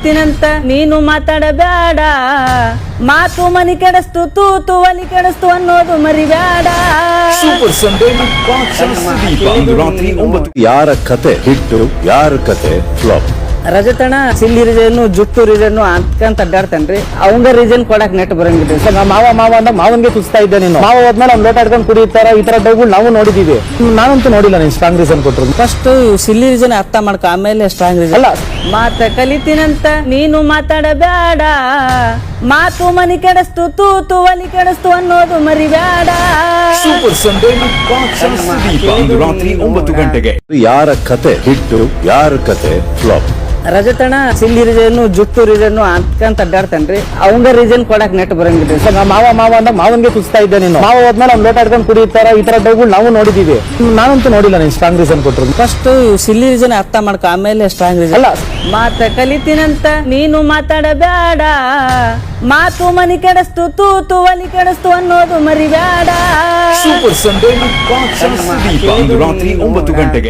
ಕಲಿತೀನಂತ ನೀನು ಮಾತಾಡಬೇಡ, ಮಾತು ಮನಿ ಕೆಡಸ್ತು ತೂತು ಒಲಿ ಕೆಡಸ್ತು ಅನ್ನೋದು ಮರಿಬೇಡ. ಸೂಪರ್ ಸಂಡೇ ಸುದೀಪ ಅಂದು ರಾತ್ರಿ 9. ಯಾರ ಕತೆ ಹಿಟ್ಟು, ಯಾರ ಕತೆ ಫ್ಲಾಪ್? ರಜತಣ ಸಿಲ್ಲಿ ರೀಸನ್ ಜುಟ್ಟು ರೀಸನ್ ಅಂತಕಂತ ಅಡ್ಡಾಡ್ತಾನ್ರಿ. ಅವಂಗ ರೀಸನ್ ಕೊಡಕ್ ನೆಟ್ ಬರಂಗಿಲ್ಲ. ಮಾವ ಅಂದ ಮಾವನ್ಗೆ ಕುಸ್ತಾ ಇದ್ದೆ ನೀನು. ಮಾವ ಹೋದ್ಮೇಲೆ ಅವ್ನು ಲೋಟ ಹಿಡ್ಕೊಂಡು ಕುಡಿತಾರ, ಈ ತರ ಡೌಗಳು ನಾವು ನೋಡಿದೀವಿ. ನಾನಂತೂ ನೋಡಿಲ್ಲ ನೀನು ಸ್ಟ್ರಾಂಗ್ ರೀಸನ್ ಕೊಟ್ರು. ಫಸ್ಟ್ ಸಿಲ್ಲಿ ರೀಸನ್ ಅರ್ಥ ಮಾಡ್ಕೊ, ಆಮೇಲೆ ಸ್ಟ್ರಾಂಗ್ ರೀಸನ್. ಅಲ್ಲ, ಮಾತ ಕಲಿತೀನಂತ ನೀನು ಮಾತಾಡಬೇಡ, ಮಾತು ಮನಿ ಕೆಡಸ್ತು ತೂತು ಒಲಿ ಕೆಡಸ್ತು ಅನ್ನೋದು ಮರಿಬೇಡ. ಸೂಪರ್ ಸಂಡೇ ಸುದೀಪ ಅಂದು ರಾತ್ರಿ 9 ಗಂಟೆಗೆ. ಯಾರ ಕತೆ ಹಿಟ್ಟು, ಯಾರ ಕತೆ ಫ್ಲಾಪ್? ರಜತಣ ಸಿಲ್ಲಿ ರೀಸನ್ ಜುಟ್ಟು ರೀಸನ್ ಅಂತಕಂತ ಅಡ್ಡಾಡ್ತಾನ್ರಿ. ಅವಂಗ ರೀಸನ್ ಕೊಡಕ್ ನೆಟ್ ಬರಂಗಿಲ್ಲ. ಮಾವ ಅಂದ ಮಾವನ್ಗೆ ಕುಸ್ತಾ ಇದ್ದೆ ನೀನು. ಮಾವ ಹೋದ್ಮೇಲೆ ಅವ್ನು ಲೋಟ ಹಿಡ್ಕೊಂಡು ಕುಡಿತಾರ, ಈ ತರ ಡೌಗಳು ನಾವು ನೋಡಿದೀವಿ. ನಾನಂತೂ ನೋಡಿಲ್ಲ ನೀನು ಸ್ಟ್ರಾಂಗ್ ರೀಸನ್ ಕೊಟ್ರು. ಫಸ್ಟ್ ಸಿಲ್ಲಿ ರೀಸನ್ ಅರ್ಥ ಮಾಡ್ಕೊ, ಆಮೇಲೆ ಸ್ಟ್ರಾಂಗ್ ರೀಸನ್. ಅಲ್ಲ, ಮಾತ ಕಲಿತೀನಂತ ನೀನು ಮಾತಾಡಬೇಡ, ಮಾತು ಮನಿ ಕೆಡಸ್ತು ತೂತು ಒಲಿ ಕೆಡಸ್ತು ಅನ್ನೋದು ಮರಿಬೇಡ. ಸೂಪರ್ ಸಂಡೇ ಸುದೀಪ ಅಂದು ರಾತ್ರಿ 9 ಗಂಟೆಗೆ.